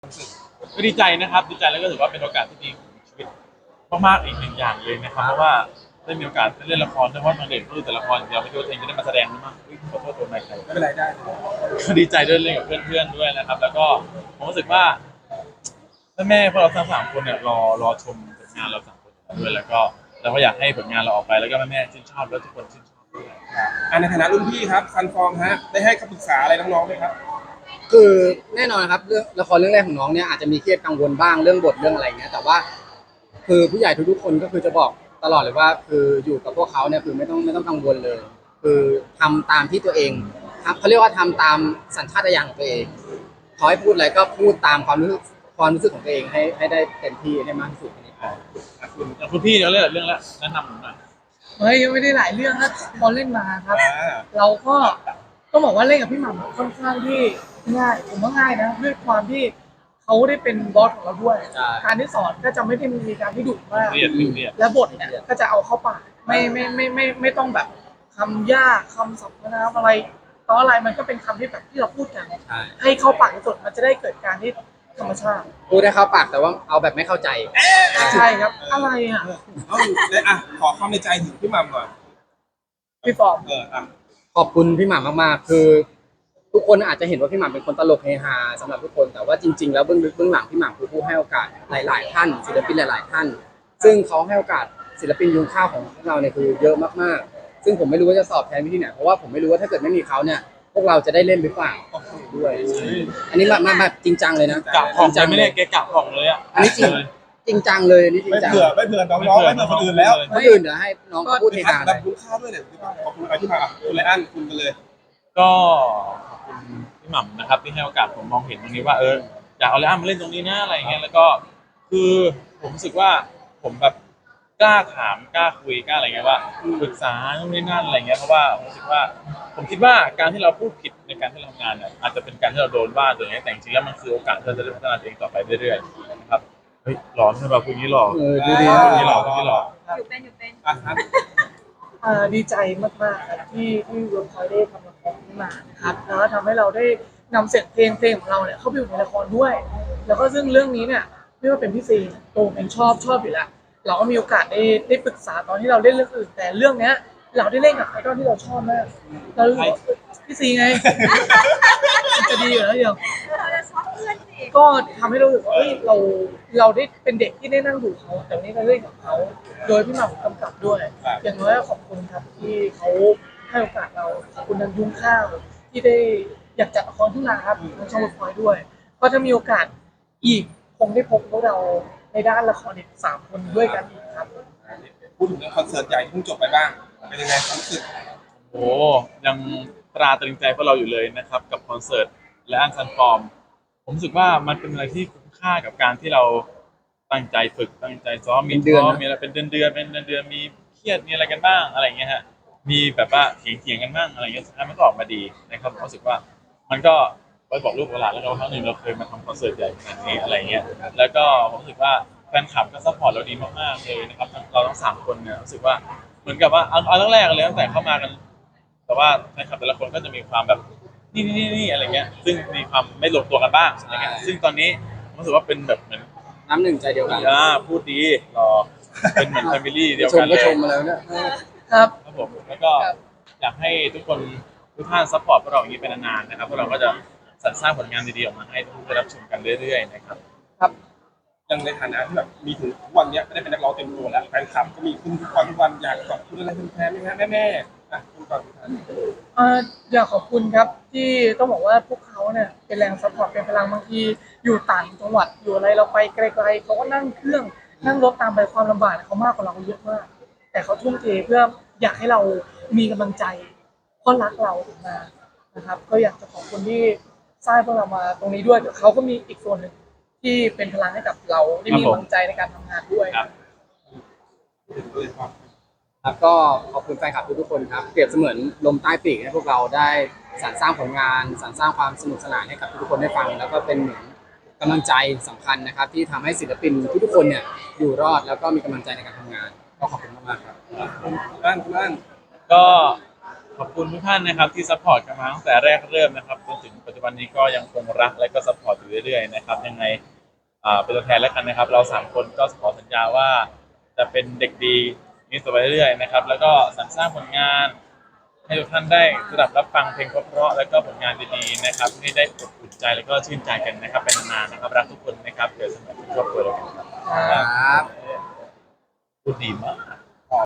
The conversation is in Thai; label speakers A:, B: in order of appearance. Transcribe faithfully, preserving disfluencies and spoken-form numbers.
A: ก็ดีใจนะครับดีใจแล้วก็ถือว่าเป็นโอกาสที่ดีของชีวิตมากๆอีกหนึ่งอย่างเลยนะครับเพราะว่าได้มีโอกาสได้เล่นละครด้วยเพราะตอนเด็กก็ดูแต่ละครเดียวไม่คิดว่าตัวเองจะได้มาแสดงด้วยมั้งอุ๊ยขอโทษตัวใหม่ใคร
B: ไม่เป็นไรได้
A: ก็ดีใจด้วยเล่นกับเพื่อนๆด้วยนะครับแล้วก็ผมรู้สึกว่าแม่ๆพวกเราทั้งสามคนเนี่ยรอรอชมผลงานเราสามคนด้วยแล้วก็เราก็อยากให้ผลงานเราออกไปแล้วก็แม่ๆชื่นชอบแล้วทุกคนชื่นชอบด้วย
B: อ่าในฐานะรุ่นพี่ครับซันฟอร์มฮะได้ให้คำปรึกษาอะไรน้องๆไหมครับ
C: คือแน่นอนครับเรื่องละครเรื่องแรกของน้องเนี่ยอาจจะมีเครียดกังวลบ้างเรื่องบทเรื่องอะไรเงี้ยแต่ว่าคือผู้ใหญ่ทุกๆคนก็คือจะบอกตลอดเลยว่าคืออยู่กับพวกเขาเนี่ยคือไม่ต้องไม่ต้องกังวลเลย คือทำตามที่ตัวเองครับเขาเรียกว่าทำตามสัญชาตญาณของตัวเองเขาให้พูดอะไรก็พูดตามความรู้สึกความรู้สึกของตัวเองให้ให้ได้เต็มที่ให้มากที่สุด
A: อ่าคุณคุณพี่เดี๋ยวเรื่องเรื่องละแนะนำผมหน่อย
D: เฮ้ยยังไม่ได้หลายเรื่องนะพอเล่นมาครับ
B: อ่า
D: เราก็ต้องบอกว่าเล่นกับพี่หม่ำค่อนข้างที่ง่ายผมว่าง่ายนะด้วยความที่เขาได้เป็นบอสของเราด้วยการที่สอนก็จะไม่ได้มีการที่ดุมาก
A: เรียนเรียน
D: และบทเนี่ยก็จะเอาเข้าปากไม่ไม่ไม่ไม่ไม่ต้องแบบคำยากคำศัพท์นะอะไรตอนอะไรมันก็เป็นคำที่แบบที่เราพูดกันให้เข้าปากที่สุดมันจะได้เกิดการที่ธรรมชาติ
C: พูดได้เข้าปากแต่ว่าเอาแบบไม่เข้าใจ
D: ใช่ครับอะไรอ่ะ
B: เอาเลยอ่ะขอความในใจถึงพี่มัมก่อน
D: พี่ฟอร์ม
B: เอออ่ะ
C: ขอบคุณพี่หม่ำมากๆคือทุกคนอาจจะเห็นว่าพี่หม่ำเป็นคนตลกเฮฮาสำหรับทุกคนแต่ว่าจริงๆแล้วเบื้องลึกเบื้องหลังพี่หม่ำคือผู้ให้โอกาสหลายๆท่านศิลปินหลายๆท่านซึ่งเขาให้โอกาสศิลปินยุงข้าวของพวกเราเนี่ยคือเยอะมากๆซึ่งผมไม่รู้ว่าจะสอบแทนวิธีไหนเพราะว่าผมไม่รู้ว่าถ้าเกิดไม่มีเขาเนี่ยพวกเราจะได้เล่นหรือเปล่าด้วยอันนี้มามาแบบจริงจังเลยนะ
A: กะผ่องใจไม่ได้แกกะผ่องเลยอ่ะ
C: อันนี้จริงจริงจังเลยอันนี้จริง
B: ไม่
C: จัง
B: เผื่อไม่เผื่อน้องๆไม่เผื่อคนอื่นแล้ว
C: คนอื่นเดี๋ยวให้น้องพูดเฮฮาเล
B: ดับ
C: ย
B: คุณข้าวด้วยเนี่ยพี่มัมขอบคุณอะไรที่มาอ่ะคุณไรอันคุณกันเลย
A: ก็ขอบคุณพี่หม่ำนะครับที่ให้โอกาสผมมองเห็นตรงนี้ว่าเอออยากเอาแล้วมาเล่นตรงนี้นะอะไรเงี้ยแล้วก็คือผมรู้สึกว่าผมแบบกล้าถามกล้าคุยกล้าอะไรเงี้ยว่าปรึกษาตรงนี้นั่นอะไรเงี้ยเพราะว่าผมรู้สึกว่าผมคิดว่าการที่เราพูดผิดในการที่เราทำงานเนี่ยอาจจะเป็นการที่เราโดนว่าตัวเองแต่จริงๆแล้วมันคือโอกาสที่เราจะได้พัฒนาตัวเองต่อไปเรื่อยๆนะครับเฮ้ยหลอนใช่ป่ะคุณนี้หลอน
C: เออดูดี
A: คุณนี้หลอนคุณนี้หลอน
E: อยู่เป็นอยู่เป็น
B: อ่ะครับ
D: เอ่อดีใจมากๆครับที่ที่เวิร์คพอยต์ได้ทำละครขึ้นมานะครับแล้วก็ทำให้เราได้นำเสียงเพลงเพลงของเราเนี่ยเข้าไปอยู่ในละครด้วย แล้วก็ซึ่งเรื่องนี้เนี่ยไม่ว่าเป็นพี่ซีโตเองชอบชอบอยู่แล้วเราก็มีโอกาสได้ได้ปรึกษาตอนที่เราเล่นเรื่องอื่นแต่เรื่องเนี้ยเราได้เล่นกับไอดอลที่เราชอบมากเรารู้สึกว่าพี่ซีไงจะดีอยู่แล้วเดียว
E: เราจะชอบเพื่อนสิ
D: ก็ทำให้เรารู้สึกว่าเอ้ยเราเราได้เป็นเด็กที่ได้นั่งดูเขาแต่วันนี้เราเล่นกับเขาโดยพี่หม่ำกำกับด้วย อย่างน้อยขอบคุณครับที่เขาให้โอกาสเราขอบคุณนันยุ้งข้าวที่ได้อยากจัดละครขึ้นมาครับทางช่องวันพอยด้วยก็ถ้ามีโอกาสอีกคงได้พบพวกเราในด้านละครอีกสามคนด้วยกันอีกครับ
B: พูดถึงเรื่องคอนเสิร์ตใหญ่ที่เพิ่งจบไปบ้างเป็นยังไงความรู้สึก
A: โอ้ยังตราตรึงใจพวกเราอยู่เลยนะครับกับคอนเสิร์ตและอันซันฟอร์มผมรู้สึกว่ามันเป็นอะไรที่คุ้มค่ากับการที่เราตั้งใจฝึกตั้งใจซ้อมมีซ้อมมีอะไรเป็นเดือนเดือนเป็นเดือนเดือนมีเครียดมีอะไรกันบ้างอะไรเงี้ยฮะมีแบบว่าเถียงเถียงกันบ้างอะไรเงี้ยสุดท้ายมันก็ออกมาดีนะครับผมรู้สึกว่ามันก็ไปบอกลูกหลานแล้วเราครั้งหนึ่งเราเคยมาทำคอนเสิร์ตใหญ่ขนาดนี้อะไรเงี้ยแล้วก็ผมรู้สึกว่าแฟนคลับก็ซัพพอร์ตเราดีมากๆเลยนะครับเราทั้งสามคนเนี่ยรู้สึกว่าเหมือนกับว่าเอาเอาตั้งแรกเลยตั้งแต่เข้ามากันแต่ว่าแฟนคลับแต่ละคนก็จะมีความแบบนี่นี่นี่อะไรเงี้ยซึ่งมีความไม่ลงตัวกันบ้างอะไรเงี้ยซึ่งตอนนี้ผมรู้สึกว่าเป็นแบบเหมือน
C: น้ำหนึ่งใจเดียวกัน
A: อ่าพูดดีรอเป็นเหมือนแฟมิลี่เดียว
C: ช
A: กั
C: ม
A: นเล
C: ก็
A: ย
C: ชมมาแล้วเนี่ย
D: ครับ
A: ครับผมแล้วก็อยากให้ทุกคนทุกท่านซัพพอร์ตพวกเราอย่างนี้เป็นนานๆนะครับพวกเราก็จะสรรสร้างผลงานดีๆออกมาให้ทุกคนได้รับชมกันเรื่อยๆนะครับ
B: ครับยังในฐานะที่แบบมีถึงทุกวันนี้ไม่ได้เป็นนักร้องเต็มตัวแล้วแฟนคลับก็มีขึ้นทุกวันทุกวันอยากขอบคุณอะไรแฟนๆไหมฮะแม่ๆอ่ะคุณก่อนคุณท่าน
D: เอ่ออยากขอบคุณครับที่ต้องบอกว่าพวกเขาเนี่ยเป็นแรงซัพพอร์ตเป็นพลังบางทีอยู่ต่างจังหวัดอยู่อะไรเราไปไกลๆเขาก็นั่งเครื่องนั่งรถตามไปความลำบากเขามากกว่าเราเยอะมากแต่เขาทุ่มเทเพื่ออยากให้เรามีกำลังใจเพราะรักเราถึงมานะครับก็อยากจะขอบคุณที่สร้างพวกเรามาตรงนี้ด้วยแต่เขาก็มีอีกส่วนหนึ่งที่เป็นพลังให้กับเราได้มีกำลังใจในการทำงานด้วย
C: ครับก็ขอบคุณแฟนคลับทุกๆคนครับเปรียบเสมือนลมใต้ปีกให้พวกเราได้สรรสร้างผลงานสรรสร้างความสนุกสนานให้กับทุกคนได้ฟังแล้วก็เป็นเหมือนกำลังใจสำคัญนะครับที่ทำให้ศิลปินทุกๆคนเนี่ยอยู่รอดแล้วก็มีกำลังใจในการทำงานก็ขอบคุณมากๆครับ
B: บ้านคุณบ้าน
A: ก็ขอบคุณทุกท่านนะครับที่ซัพพอร์ตกันมาตั้งแต่แรกเริ่มนะครับจนถึงปัจจุจุบันนี้ก็ยังคงรักและก็ซัพพอร์ตอยู่เรื่อยๆนะครับยังไงอ่าเป็นตัวแทนแล้วกันนะครับ เราสามคนก็ขอสัญญาว่าจะเป็นเด็กดีนี้ต่อไปเรื่อยๆนะครับแล้วก็สรรสร้างผลงานให้ทุกท่านได้สดับรับฟังเพลงเพราะๆแล้วก็ผลงานดีๆนะครับให้ได้อบอุ่นใจแล้วก็ชื่นใจกันนะครับเป็นนานๆนะครับรักทุกคนนะครับเกิดสมัยครอบครัวเรากันครับ
C: ครับ
A: พูดดีมาก